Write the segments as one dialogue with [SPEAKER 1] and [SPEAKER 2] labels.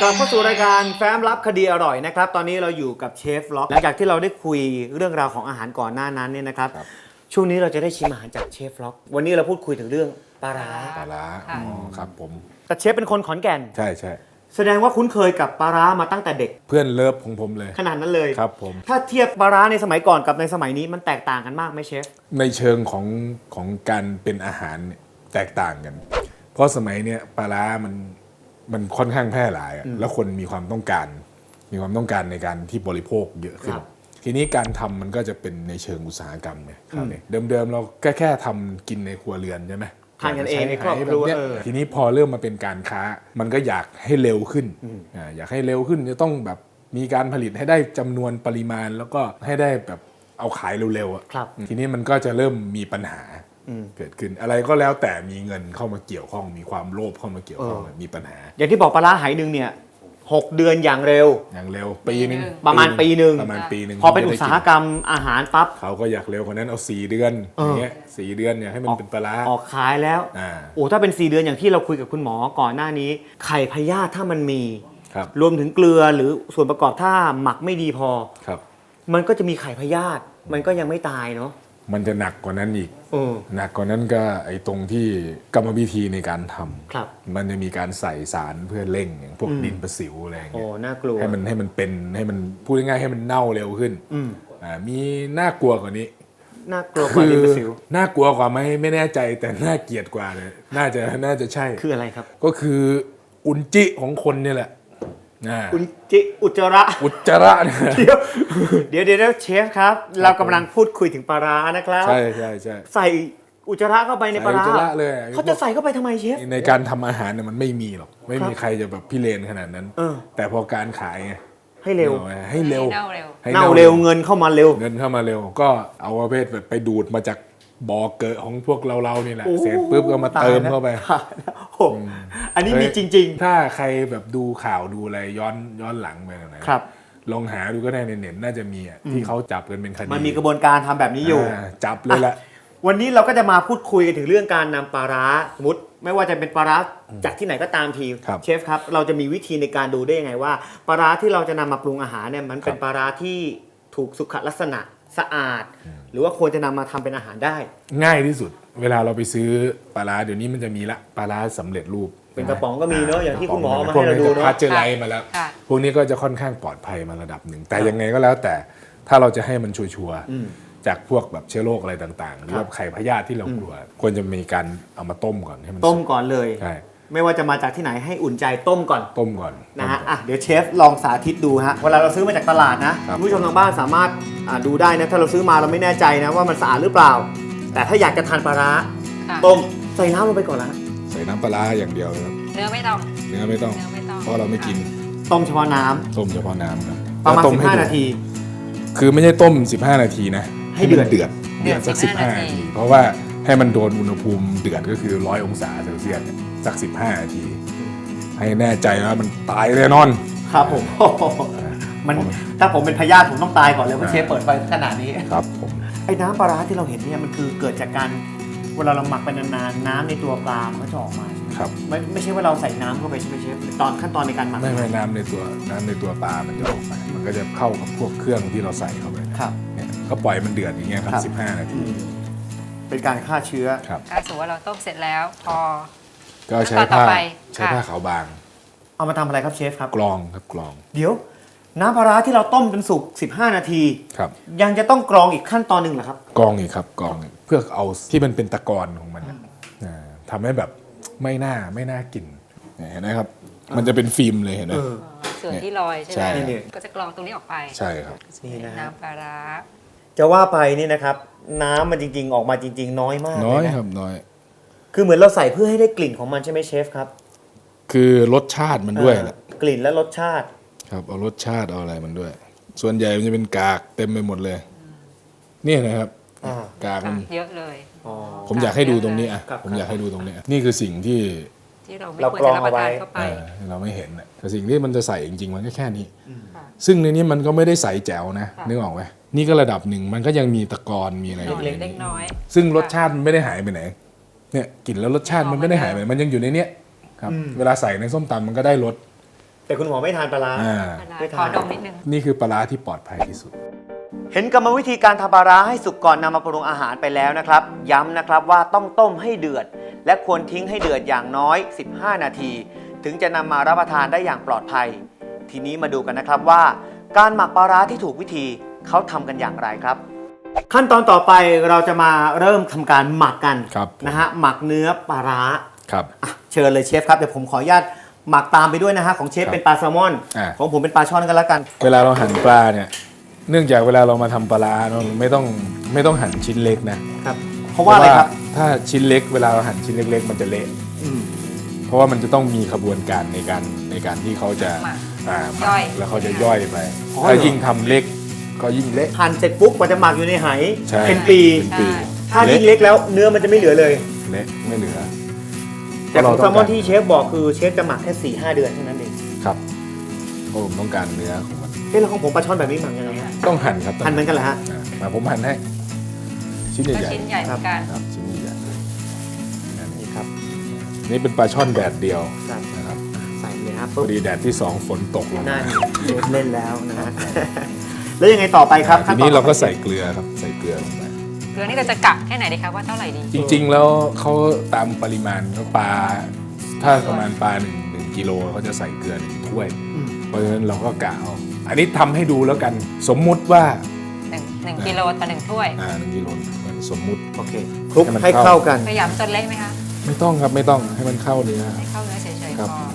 [SPEAKER 1] กลับเข้าสู่รายการแฟ้มลับคดีอร่อยนะครับตอนนี้เราอยู่กับเชฟล็อกหลังจากที่เราได้คุยเรื่องราวของอาหารก่อนหน้านั้นเนี่ยนะครับช่วงนี้เราจะได้ชิมอาหารจากเชฟล็อกวันนี้เราพูดคุยถึงเรื่องปลาร้า
[SPEAKER 2] อ๋อครับผม
[SPEAKER 1] แต่เชฟเป็นคนขอนแก่น
[SPEAKER 2] ใช่ใช่
[SPEAKER 1] แสดงว่าคุ้นเคยกับปลาร้ามาตั้งแต่เด็ก
[SPEAKER 2] เพื่อนเลิฟของผมเลย
[SPEAKER 1] ขนาดนั้นเลย
[SPEAKER 2] ครับผม
[SPEAKER 1] ถ้าเทียบปลาร้าในสมัยก่อนกับในสมัยนี้มันแตกต่างกันมากไหมเชฟ
[SPEAKER 2] ในเชิงของการเป็นอาหารเนี่ยแตกต่างกันเพราะสมัยเนี้ยปลาร้ามันค่อนข้างแพร่หลายแล้วคนมีความต้องการในการที่บริโภคเยอะขึ้นทีนี้การทำมันก็จะเป็นในเชิงอุตสาหกรรมเนี่ยเดิมเราแค่ทำกินในครัวเรือนใช่ไหม
[SPEAKER 1] ทานกันเองในครอบครัว
[SPEAKER 2] ทีนี้พอเริ่มมาเป็นการค้ามันก็อยากให้เร็วขึ้นอยากให้เร็วขึ้นจะต้องแบบมีการผลิตให้ได้จำนวนปริมาณแล้วก็ให้ได้แบบเอาขายเร็วๆอ่ะทีนี้มันก็จะเริ่มมีปัญหาเกิดขึ้นอะไรก็แล้วแต่มีเงินเข้ามาเกี่ยวข้องมีความโลภเข้ามาเกี่ยวข้องมีปัญหา
[SPEAKER 1] อย่างที่บอกปลาร้าไหหนึ่งเนี่ย6 เดือนอย่างเร็ว
[SPEAKER 2] ปีนึง
[SPEAKER 1] ประมาณปีนึงพอเป็นอุตสาหกรรมอาหารปั๊บ
[SPEAKER 2] เขาก็อยากเร็วกว่านั้นเอา4 เดือนอย่างเงี้ย4 เดือนเนี่ยให้มันเป็นปลาร้า
[SPEAKER 1] ออกขายแล้วโอ้ถ้าเป็น4 เดือนอย่างที่เราคุยกับคุณหมอก่อนหน้านี้ไข่พยาธิถ้ามันมีรวมถึงเกลือหรือส่วนประกอบถ้าหมักไม่ดีพอมันก็จะมีไข่พยาธิมันก็ยังไม่ตายเนาะ
[SPEAKER 2] มันจะหนักกว่านั้นอีกหนักกว่านั้นก็ไอ้ตรงที่กรรมวิธีในการทำมันจะมีการใส่สารเพื่อเร่งอย่างพวกดินประสิวอะไรอย่างเงี้ย
[SPEAKER 1] น่ากลัว
[SPEAKER 2] ให้มันเป็นให้มันพูดง่ายๆให้มันเน่าเร็วขึ้นมีน่ากลัวกว่านี้
[SPEAKER 1] น่ากลัวกว่าดินประสิว
[SPEAKER 2] น่ากลัวกว่าไม่แน่ใจแต่น่าเกลียดกว่าเลยน่าจะใช่
[SPEAKER 1] คืออะไรครับ
[SPEAKER 2] ก็คืออุจจิของคนเนี่ยแหละ
[SPEAKER 1] อุจจิอุจจาระเดี๋ยวเชฟครับเรากำลังพูดคุยถึงปลาร้านะครับ
[SPEAKER 2] ใช่
[SPEAKER 1] ใส่อุจจาระเข้าไปในปลาร้า
[SPEAKER 2] เลย
[SPEAKER 1] เขาจะใส่เข้าไปทำไมเชฟ
[SPEAKER 2] ในการทำอาหารเนี่ยมันไม่มีหรอกไม่มีใครจะแบบพิเรนขนาดนั้นแต่พอการขาย
[SPEAKER 1] ให้เร็ว
[SPEAKER 2] เน่า
[SPEAKER 1] เร็วเงินเข้ามาเร็ว
[SPEAKER 2] ก็เอาประเภทแบบไปดูดมาจากบ่อเกิดของพวกเรานี่แหละเสร็จปุ๊บก็มาเติมเข้าไป
[SPEAKER 1] อันนี้มีจริง
[SPEAKER 2] ๆถ้าใครแบบดูข่าวดูอะไรย้อนหลังไปไหนลองหาดูก็ได้ในเน็ตน่าจะมีที่เขาจับกันเป็นคดี
[SPEAKER 1] มันมีกระบวนการทำแบบนี้อยู่
[SPEAKER 2] จับเลยแหละ
[SPEAKER 1] วันนี้เราก็จะมาพูดคุยกันถึงเรื่องการนำปลาร้าสมมติไม่ว่าจะเป็นปลาร้าจากที่ไหนก็ตามทีเชฟครับเราจะมีวิธีในการดูได้ยังไงว่าปลาร้าที่เราจะนำมาปรุงอาหารเนี่ยมันเป็นปลาร้าที่ถูกสุขลักษณะสะอาดหรือว่าควรจะนำมาทำเป็นอาหารได้
[SPEAKER 2] ง่ายที่สุดเวลาเราไปซื้อปลาร้าเดี๋ยวนี้มันจะมีละปลาร้าสำเร็จรูป
[SPEAKER 1] เป็นกระป๋องก็มีเนาะอย่างที่คุณหมอมาให้เราดูเนาะ
[SPEAKER 2] พาสเจอร์ไลซ์มาแล้วพวกนี้ก็จะค่อนข้างปลอดภัยมาระดับหนึ่งแต่ยังไงก็แล้วแต่ถ้าเราจะให้มันชัวร์จากพวกแบบเชื้อโรคอะไรต่างๆหรือว่าไข่พยาธิที่เรากลัวควรจะมีการเอามาต้มก่อนให้มัน
[SPEAKER 1] ต้มก่อนเลย
[SPEAKER 2] ใช่
[SPEAKER 1] ไม่ว่าจะมาจากที่ไหนให้อุ่นใจต้มก่อนนะฮะเดี๋ยวเชฟลองสาธิตดูฮะเวลาเราซื้อมาจากตลาดนะผู้ชมทางบ้านสามารถดูได้นะถ้าเราซื้อมาเราไม่แน่ใจนะว่ามันสะอาดหรือเปล่าแต่ถ้าอยากจะทานปลาร้าต้มใส่น้ำลงไปก่อนนะ
[SPEAKER 2] ใส่น้ำปลาร้าอย่างเดียวครับ
[SPEAKER 3] เนื้อไม่ต้อง
[SPEAKER 2] เพราะเราไม่กิน
[SPEAKER 1] ต้มเฉพาะน้
[SPEAKER 2] ำครับ
[SPEAKER 1] ประมาณ15 นาที
[SPEAKER 2] คือไม่ใช่ต้ม15 นาทีนะให้เดือดสัก15 นาทีเพราะว่าให้มันโดนอุณหภูมิเดือดก็คือ100 องศาเซลเซียสสัก15 นาทีให้แน่ใจว่ามันตายแน่นอน
[SPEAKER 1] ครับผมมันถ้าผมเป็นพยาธิผมต้องตายก่อนเลยเพราะเชฟเปิดไฟขนาดนี้
[SPEAKER 2] ครับผม
[SPEAKER 1] ไอ้น้ำปลาร้าที่เราเห็นเนี่ยมันคือเกิดจากการเวลาเราหมักไปนานๆน้ำในตัวปลามันก็จะออกมา
[SPEAKER 2] ครับ
[SPEAKER 1] ไม่ใช่ว่าเราใส่น้ำเข้าไปใช่ไหมเชฟตอนขั้นตอนในการหมัก
[SPEAKER 2] ไม่น้ำในตัวปลามันจะออกมามันก็จะเข้ากับพวกเครื่องที่เราใส่เข้าไปเนี่ยก็ปล่อยมันเดือดอย่างเงี้ยครับ15 นาที
[SPEAKER 1] เป็นการฆ่าเชื้อ
[SPEAKER 3] ถ้าสมมติว่าเราต้มเสร็จแล้วพอ
[SPEAKER 2] ก็ใช้ผ้าขาวบาง
[SPEAKER 1] เอามาทำอะไรครับเชฟครับ
[SPEAKER 2] กรอง
[SPEAKER 1] เดี๋ยวน้ำปลาร้าที่เราต้มจนสุก15 นาทียังจะต้องกรองอีกขั้นตอนหนึ่งเหรอครับ
[SPEAKER 2] กรองอีกครับกรองเพื่อเอาที่มันเป็นตะกอนของมันทำให้แบบไม่น่ากินเห็นไหมครับมันจะเป็นฟิล์มเลยเห็นไหม
[SPEAKER 3] ส่วนที่ลอยใช่ไหมก็จะกรองตรงนี้ออกไป
[SPEAKER 2] ใช่ครับ
[SPEAKER 3] นี่นะน้ำปลาร้า
[SPEAKER 1] จะว่าไปนี่นะครับน้ำมันจริงๆออกมาจริงๆน้อยมาก
[SPEAKER 2] น้อยครับน้อย
[SPEAKER 1] คือเหมือนเราใส่เพื่อให้ได้กลิ่นของมันใช่ไหมเชฟครับ
[SPEAKER 2] คือรสชาติมันด้วยแหละ
[SPEAKER 1] กลิ่นและรสชาติ
[SPEAKER 2] ครับเอารสชาติเอาอะไรมันด้วยส่วนใหญ่มันจะเป็นกากเต็มไปหมดเลยนี่นะครับกากมัน
[SPEAKER 3] เยอะเลย
[SPEAKER 2] ผมอยากให้ดูตรงนี้ผมอยากให้ดูตรงนี้นี่คือสิ่งที่
[SPEAKER 3] เราควรจะรับประทานเข้าไป
[SPEAKER 2] เราไม่เห็นแต่สิ่งที่มันจะใส่จริงๆมันก็แค่นี้ซึ่งในนี้มันก็ไม่ได้ใส่แจ๋วนะนึกออกไหมนี่ก็ระดับหนึ่งมันก็ยังมีตะกอนมีอะไร
[SPEAKER 3] เล็กน้อย
[SPEAKER 2] ซึ่งรสชาติมันไม่ได้หายไปไหนเนี่ยกลิ่นแล้วรสชาติมันไม่ได้หายไปมันยังอยู่ในเนี้ยครับเวลาใส่ในส้มตำมันก็ได้รส
[SPEAKER 1] แต่คุณหมอไม่ทานปลาร้า
[SPEAKER 2] อ่า
[SPEAKER 1] ไม่ทาน
[SPEAKER 3] ขอดมนิดนึง
[SPEAKER 2] นี่คือปลาร้าที่ปลอดภัยที่สุด
[SPEAKER 1] เห็นกรรมวิธีการทำปลาร้าให้สุกก่อนนำมาปรุงอาหารไปแล้วนะครับ ย้ำนะครับว่าต้องต้มให้เดือด และควรทิ้งให้เดือดอย่างน้อย 15 นาที ถึงจะนำมารับประทานได้อย่างปลอดภัย ทีนี้มาดูกันนะครับว่า การหมักปลาร้าที่ถูกวิธีเขาทำกันอย่างไรครับ ขั้นตอนต่อไปเราจะมาเริ่มทำการหมักกัน
[SPEAKER 2] ครับ
[SPEAKER 1] นะฮะหมักเนื้อปลาร้า
[SPEAKER 2] ครับ
[SPEAKER 1] อ่ะเชิญเลยเชฟครับเดี๋ยวผมขออนุญาตหมักตามไปด้วยนะฮะของเชฟ
[SPEAKER 2] ครับ
[SPEAKER 1] เป็นปลาแซลมอน
[SPEAKER 2] อ่า
[SPEAKER 1] ของผมเป็นปลาช่อนกันแล้วกัน
[SPEAKER 2] เวลาเราหั่นปลาเนี่ย เนื่องจากเวลาเรามาทำปลาร้าเนอะไม่ต้องหั่นชิ้นเล็กนะครับ
[SPEAKER 1] เพราะว่าอะไรครับ
[SPEAKER 2] ถ้าชิ้นเล็กเวลาเราหั่นชิ้นเล็กๆ มันจะเละ
[SPEAKER 1] อืม
[SPEAKER 2] เพราะว่ามันจะต้องมีขบวนการในการที่เขาจะ
[SPEAKER 3] หมัก
[SPEAKER 2] หมัก
[SPEAKER 3] ย่อย
[SPEAKER 2] แล้วเขาจะย่อยไป
[SPEAKER 1] อ๋อ
[SPEAKER 2] ถ้า
[SPEAKER 1] เหรอ
[SPEAKER 2] ยิ่งทำเล็กก็ยิ่งเละ
[SPEAKER 1] หั่นเสร็จปุ๊บกว่าจะหมักอยู่ในไห
[SPEAKER 2] ใช่
[SPEAKER 1] เป็นปี
[SPEAKER 2] เป็นปี
[SPEAKER 1] ถ้ายิ่งเล็กแล้วเนื้อมันจะไม่เหลือเลย
[SPEAKER 2] เละไม่เหลือ
[SPEAKER 1] แต่ของ
[SPEAKER 2] เพ
[SPEAKER 1] แซ
[SPEAKER 2] ราะ
[SPEAKER 1] ล
[SPEAKER 2] เรา
[SPEAKER 1] ม
[SPEAKER 2] ต้
[SPEAKER 1] อ
[SPEAKER 2] อน งการ
[SPEAKER 1] ที่เชฟบอกคือเชฟจะหมักแค่ 4-5 เดือนเท่านั้นเอง
[SPEAKER 2] ครับเพราะผมต้องการเนื้อของมัน
[SPEAKER 1] เอ๊ะแล้วของผมปลาช่อนแบบนี้หมักยังไงฮะ
[SPEAKER 2] ต้องหั่นครับต้ง
[SPEAKER 1] หั่นเหมือนกันเหรอฮะ
[SPEAKER 2] มาผมหั่นให้ชิ้น
[SPEAKER 3] ก็
[SPEAKER 2] ใหญ่
[SPEAKER 3] ชิ้นใหญ่เหมือนกัน
[SPEAKER 2] ๆครับชิ้นใหญ่
[SPEAKER 1] นี่ครับ
[SPEAKER 2] ๆนี่เป็นปลาช่อนแดดเดียว
[SPEAKER 1] ครับ
[SPEAKER 2] นะครับ
[SPEAKER 1] ใส่เลยครับ
[SPEAKER 2] พ
[SPEAKER 1] ปุ๊
[SPEAKER 2] อบ ดีแดดที่ 2 ฝนตกลง
[SPEAKER 1] นั่
[SPEAKER 2] มาน
[SPEAKER 1] เชฟเล่นแล้วนะฮะ แล้วยังไงต่อไปครับ
[SPEAKER 2] ทีนี้เราก็
[SPEAKER 1] ขั้นตอนต่อไป
[SPEAKER 2] ใส่เกลือครับใส่เกลือลงไป
[SPEAKER 3] เกลือนี่เราจะกะแค่ไหนดีคะว่าเท่าไหร่ดี
[SPEAKER 2] จริงๆแล้วเขาตามปริมาณเขาปลาถ้าประมาณปลา1กิโลเขาจะใส่เกลือ1ถ้วย
[SPEAKER 1] อืม
[SPEAKER 2] เพราะฉะนั้นเราก็กะเอาอันนี้ทำให้ดูแล้วกันสมมุติว่า
[SPEAKER 3] 1 กิโลต่อ 1 ถ้วย
[SPEAKER 2] 1กิโลสมมุติ
[SPEAKER 1] โอเคคลุก
[SPEAKER 2] ให้มัน
[SPEAKER 1] ให้
[SPEAKER 2] เข้า
[SPEAKER 1] เข้ากัน
[SPEAKER 3] พยายามจนเละไหมคะ
[SPEAKER 2] ไม่ต้องครับไม่ต้องให้มันเข้าเนื้อ
[SPEAKER 3] ให้เข้าเนื้อเฉย
[SPEAKER 2] ครั
[SPEAKER 3] ๆ
[SPEAKER 2] บ
[SPEAKER 3] พอบ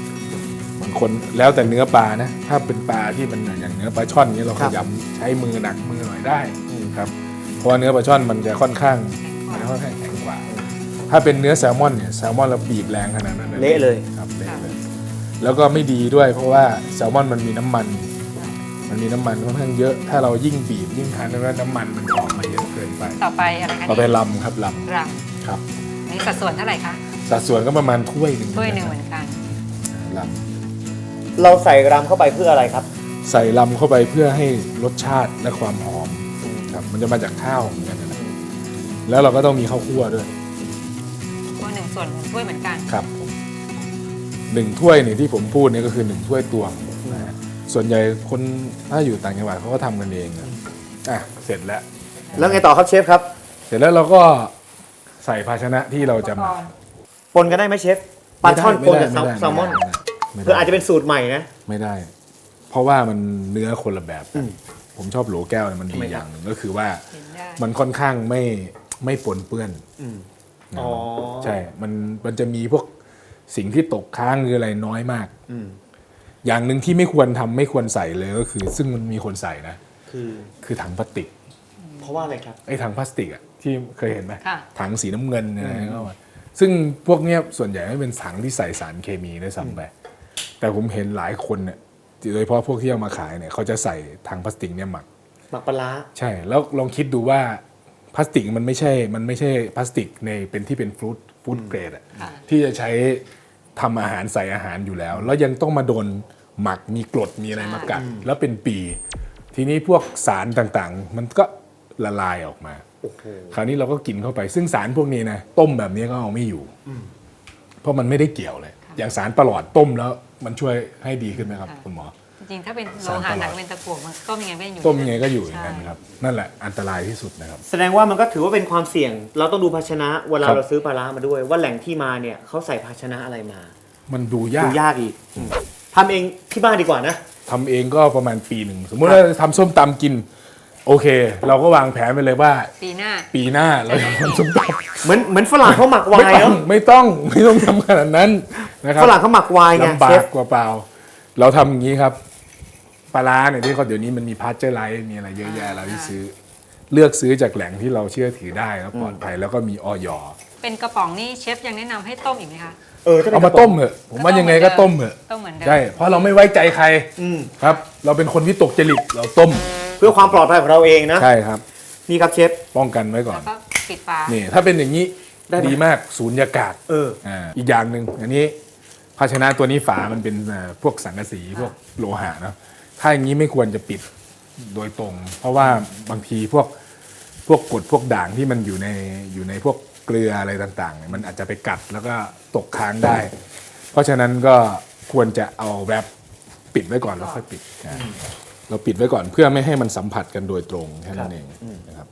[SPEAKER 2] างคนแล้วแต่เนื้อปลานะ ถ้าเป็นปลาที่มันอย่างเนื้อปลาช่อนเนี้ยเรา
[SPEAKER 1] ค
[SPEAKER 2] ข
[SPEAKER 1] รับ
[SPEAKER 2] ยำใช้มือหนักมือหน่อยได้ครับเพราะว่าเนื้อปลาช่อนมันจะค่อนข้างแข็งกว่า ถ้าเป็นเนื้อแซลมอนเนี่ยแซลมอนเราบีบแรงขนาดนั้น
[SPEAKER 1] เละเลย
[SPEAKER 2] ครับเละเลยแล้วก็ไม่ดีด้วย เพราะว่าแซลมอนมันมีน้ำมัน มันมีน้ำมันค่อนข้างเยอะ ถ้าเรายิ่งบีบยิ่งทานแล้วน้ำมันมันจะออกมาเยอะเกินไป
[SPEAKER 3] ต่อไปอะไรคะ
[SPEAKER 2] ต่อไปลำครับล
[SPEAKER 3] รัง
[SPEAKER 2] ำครับ
[SPEAKER 3] นี่สัดส่วนเท่าไหร่คะ
[SPEAKER 2] สัดส่วนก็ประมาณถ้วยหนึ่ง
[SPEAKER 3] ถ้วยหนึ่งเหมือนกัน
[SPEAKER 2] ล
[SPEAKER 1] เราใส่รำเข้าไปเพื่ออะไรครับ
[SPEAKER 2] ำใส่ลำเข้าไปเพื่อให้รสชาติและความหอมครับมันจะมาจากข้าวเหมือนกันนะแล้วเราก็ต้องมีข้าวคั่วด้วย
[SPEAKER 3] ถ้วย1 ส่วน1 ถ้วยเหมือนกัน
[SPEAKER 2] ครับผม1 ถ้วยเนี่ยที่ผมพูดเนี่ยก็คือ1 ถ้วยตวงนะฮะส่วนใหญ่คนถ้าอยู่ต่างจังหวัดเขาก็ทำกันเองอ่ะเสร็จแล้ว
[SPEAKER 1] แล้วไงต่อครับเชฟครับ
[SPEAKER 2] เสร็จแล้วเราก็ใส่ภาชนะที่เราจะหมัก
[SPEAKER 1] ปนกันได้ไหมเชฟปลาช่อนปนกับ
[SPEAKER 2] ไม่ได้
[SPEAKER 1] แซลมอน
[SPEAKER 2] ไม่ได้
[SPEAKER 1] เพื่ออาจจะเป็นสูตรใหม่นะ
[SPEAKER 2] ไม่ได้ เพราะว่ามันเนื้อคนละแบบกัน
[SPEAKER 1] อืม
[SPEAKER 2] ผมชอบโหลแก้วเนี่ยมันดี
[SPEAKER 1] ทำไมครับ
[SPEAKER 2] อย่างหนึ่งก็คือว่า
[SPEAKER 3] เห็นได้
[SPEAKER 2] มันค่อนข้างไม่ปนเปื้อน
[SPEAKER 1] อืม
[SPEAKER 2] นะ
[SPEAKER 1] อ๋อ
[SPEAKER 2] ใช่มันจะมีพวกสิ่งที่ตกค้างหรืออะไรน้อยมาก
[SPEAKER 1] อืม
[SPEAKER 2] อย่างหนึ่งที่ไม่ควรทำไม่ควรใส่เลยก็คือ ซึ่งมันมีคนใส่นะ
[SPEAKER 1] คือ
[SPEAKER 2] คือถังพลาสติก
[SPEAKER 1] เพราะว่าอะไรครับ
[SPEAKER 2] ไอ้ถังพลาสติกอ่ะที่เคยเห็นไหม
[SPEAKER 3] ค่ะ
[SPEAKER 2] ถังสีน้ำเงินอะไรก็ว่าซึ่งพวกเนี้ยส่วนใหญ่ไม่เป็นถังที่ใส่สารเคมีด้วยซ้ำไปแต่ผมเห็นหลายคนเนี่ยโดยเฉพาะพวกที่เอามาขายเนี่ยเขาจะใส่ถังพลาสติกเนี่ยหมัก
[SPEAKER 1] หมักปลาร้า
[SPEAKER 2] ใช่ แล้วลองคิดดูว่าพลาสติกมันไม่ใช่พลาสติกในเป็นที่เป็นฟู้ดเกรดอะ
[SPEAKER 3] ค่ะ
[SPEAKER 2] ที่จะใช้ทำอาหารใส่อาหารอยู่แล้ว แล้วยังต้องมาโดนหมักมีกรดมีอะไรมากัดแล้วเป็นปี ทีนี้พวกสารต่างๆ มันก็ละลายออกมา
[SPEAKER 1] โอ้โห
[SPEAKER 2] คราวนี้เราก็กินเข้าไป ซึ่งสารพวกนี้นะต้มแบบนี้ก็เอาไม่อยู่ เพราะมันไม่ได้เกี่ยวเลย อย่างสารประหลอดต้มแล้วมันช่วยให้ดีขึ้นไหมครับ
[SPEAKER 3] ค่ะ
[SPEAKER 2] คุณหมอ
[SPEAKER 3] จริงๆ ถ้าเป็นโลหะหนักเป็นตะกั่วมันต้มยังไงก็ยังอยู่
[SPEAKER 2] ต้มยังไงก็อยู่อย่างนั้น
[SPEAKER 3] ใช่
[SPEAKER 2] ครับ นั่นแหละอันตรายที่สุดนะครับ
[SPEAKER 1] แสดงว่ามันก็ถือว่าเป็นความเสี่ยง เราต้องดูภาชนะเวลา
[SPEAKER 2] ครับ
[SPEAKER 1] เราซื้อปลาร้ามาด้วย ว่าแหล่งที่มาเนี่ยเขาใส่ภาชนะอะไรมา
[SPEAKER 2] มันดูยา
[SPEAKER 1] ดู
[SPEAKER 2] ก
[SPEAKER 1] ยากอีกทำเองที่บ้านดีกว่านะ
[SPEAKER 2] ทำเองก็ประมาณปีหนึ่งสมมุติว่าทำส้มตำกิน โอเค เราก็วางแผนไปเลยว่า
[SPEAKER 3] ปีหน้า
[SPEAKER 2] ปีหน้าเราจะทำส้มต
[SPEAKER 1] เหมือนฝรั่งเขาหมัก
[SPEAKER 2] ำ
[SPEAKER 1] ไวน์เนาะ
[SPEAKER 2] ไม่ต้องทำขนาดนั้นนะครับ
[SPEAKER 1] ฝรั่งเขาหมักไวน์ไง
[SPEAKER 2] ลำบา
[SPEAKER 1] เช
[SPEAKER 2] ก
[SPEAKER 1] ฟ
[SPEAKER 2] กว่าเปล่า เราทำอย่างนี้ครับปลาร้าเนี่ยที่เขาเดี๋ยวนี้มันมีพาสเจอร์ไลท์มีอะไรเยอะแยะเราที่ซื้อ เลือกซื้อจากแหล่งที่เราเชื่อถือได้แล้วปลอดภัยแล้วก็มีออย
[SPEAKER 3] เป็นกระป๋องนี่เชฟยังแนะนำให้ต้มอีกไหมคะ
[SPEAKER 1] ถ้ป็น
[SPEAKER 2] เอามาต้มเถอะผมว่ายังไงก็ต้มเถอะ
[SPEAKER 3] ต้มเหมือนเดิม
[SPEAKER 2] ใช่เพราะเราไม่ไว้ใจใคร
[SPEAKER 1] อืม
[SPEAKER 2] ครับ เราเป็นคนวิตกจริตเราต้ม
[SPEAKER 1] เพื่อความปลอดภัยของเราเองนะ
[SPEAKER 2] ใช่ครับ
[SPEAKER 1] นี่ครับเชฟ
[SPEAKER 2] ป้องกันไว้ก่อ
[SPEAKER 3] แล้
[SPEAKER 2] น
[SPEAKER 3] วก็ปิดฝา
[SPEAKER 2] นี่ถ้าเป็นอย่างนี้
[SPEAKER 1] ได้ไหม
[SPEAKER 2] ดีมากสูญญากาศ อีกอย่างหนึ่งอันนี้ภาชนะตัวนี้ฝามันเป็นพวกสังกะสีพวกโลหะเนอะถ้าอย่างนี้ไม่ควรจะปิดโดยตรง เพราะว่าบางทีพวกกรดพวกด่างที่มันอยู่ในพวกเกลืออะไรต่างๆเนี่ยมันอาจจะไปกัดแล้วก็ตกค้างได้ เพราะฉะนั้นก็ควรจะเอาแรปปิดไว้ก่อนแล้วค่อยปิดเราปิดไว้ก่อนเพื่อไม่ให้มันสัมผัสกันโดยตรงแค่นั้นเองนะครับ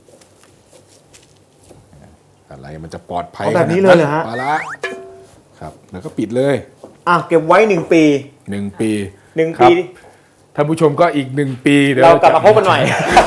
[SPEAKER 2] อะไรมันจะปลอดภัย
[SPEAKER 1] แบบนี้เลยเหรอฮะ
[SPEAKER 2] ปลาร้าครับแล้วก็ปิดเลย
[SPEAKER 1] เก็บไว้1 ปี
[SPEAKER 2] 1 ปี
[SPEAKER 1] 1
[SPEAKER 2] ครั
[SPEAKER 1] ปี
[SPEAKER 2] บท่านผู้ชมก็อีก1 ปีเดี๋ยว
[SPEAKER 1] เรากลับมาพบกันหน่อย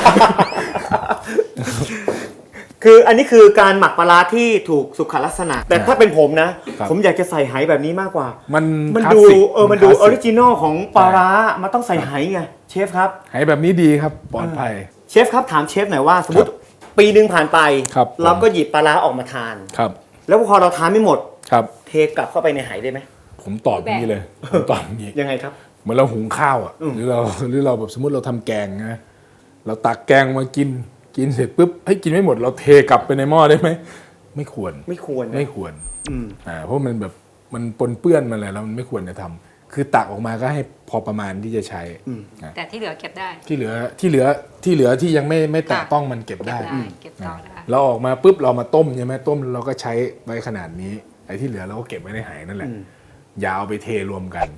[SPEAKER 1] คืออันนี้คือการหมักปลาร้าที่ถูกสุขลักษณะ แต่ถ้าเป็นผมนะ ผมอยากจะใส่ไหแบบนี้มากกว่า
[SPEAKER 2] มัน
[SPEAKER 1] ดู
[SPEAKER 2] คลาสสิก
[SPEAKER 1] มันดู
[SPEAKER 2] ค
[SPEAKER 1] อ
[SPEAKER 2] ลา
[SPEAKER 1] อ
[SPEAKER 2] สสิ
[SPEAKER 1] ริ
[SPEAKER 2] ก
[SPEAKER 1] จินอลของปลาร้ามันต้องใส่ไหไงเชฟครับ
[SPEAKER 2] ไหแบบนี้ดีครับปลอดภัย
[SPEAKER 1] เชฟครับถามเชฟหน่อยว่าสมมติปีหนึ่งผ่านไป
[SPEAKER 2] ครับ
[SPEAKER 1] เราก็หยิบปลาร้าออกมาทาน
[SPEAKER 2] ครับ
[SPEAKER 1] แล้วพอเราทานไม่หมด
[SPEAKER 2] ครับ
[SPEAKER 1] เทกลับเข้าไปในไหได้ไหม
[SPEAKER 2] ผมตอบอย่างนี้เลยผมตอบอย่างนี้
[SPEAKER 1] ยังไงครับ
[SPEAKER 2] เหมือนเราหุงข้าวอ่ะหรือเราแบบสมมติเราทำแกงนะเราตักแกงมากินเสร็จปุ๊บให้กินไม่หมดเราเทกลับไปในหม้อได้ไหมไม่ควร
[SPEAKER 1] ไม่ควรนะ
[SPEAKER 2] ไม่ควร
[SPEAKER 1] อืม
[SPEAKER 2] เพราะมันแบบมันปนเปื้อนมาแล้วมันไม่ควรจะทำคือตักออกมาก็ให้พอประมาณที่จะใช้นะ
[SPEAKER 3] แต่ที่เหลือเก็บได้
[SPEAKER 2] ที่เหลือที่ยังไม่แตะต้องมันเก็บได้
[SPEAKER 3] เก็บต่อได้
[SPEAKER 2] เราออกมาปุ๊บเรามาต้มใช่ไหมต้มเราก็ใช้ไว้ขนาดนี้ไอ้ที่เหลือเราก็เก็บไว้ในไหนั่นแหละอย่าเอาไปเทรวมกัน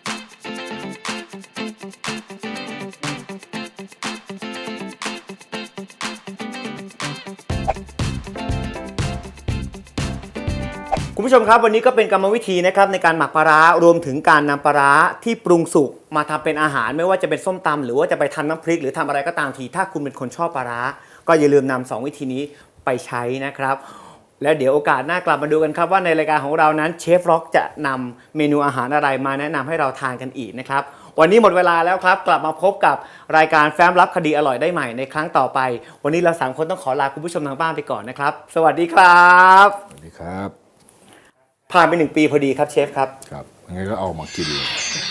[SPEAKER 1] คุณผู้ชมครับวันนี้ก็เป็นกรรมวิธีนะครับในการหมักปลาร้ารวมถึงการนำปลาร้าที่ปรุงสุกมาทำเป็นอาหารไม่ว่าจะเป็นส้มตำหรือว่าจะไปทำน้ำพริกหรือทำอะไรก็ตามทีถ้าคุณเป็นคนชอบปลาร้าก็อย่าลืมนำ2 วิธีนี้ไปใช้นะครับแล้วเดี๋ยวโอกาสหน้ากลับมาดูกันครับว่าในรายการของเรานั้นเชฟร็อกจะนำเมนูอาหารอะไรมาแนะนำให้เราทานกันอีกนะครับวันนี้หมดเวลาแล้วครับกลับมาพบกับรายการแฟ้มลับคดีอร่อยได้ใหม่ในครั้งต่อไปวันนี้เรา3 คนต้องขอลาคุณผู้ชมทางบ้านไปก่อนนะครับสวัสดีครับ
[SPEAKER 2] สวัสดีครับ
[SPEAKER 1] ผ่านไป1 ปีพอดีครับเชฟครับ
[SPEAKER 2] ครับงั้นก็เอามากินเลย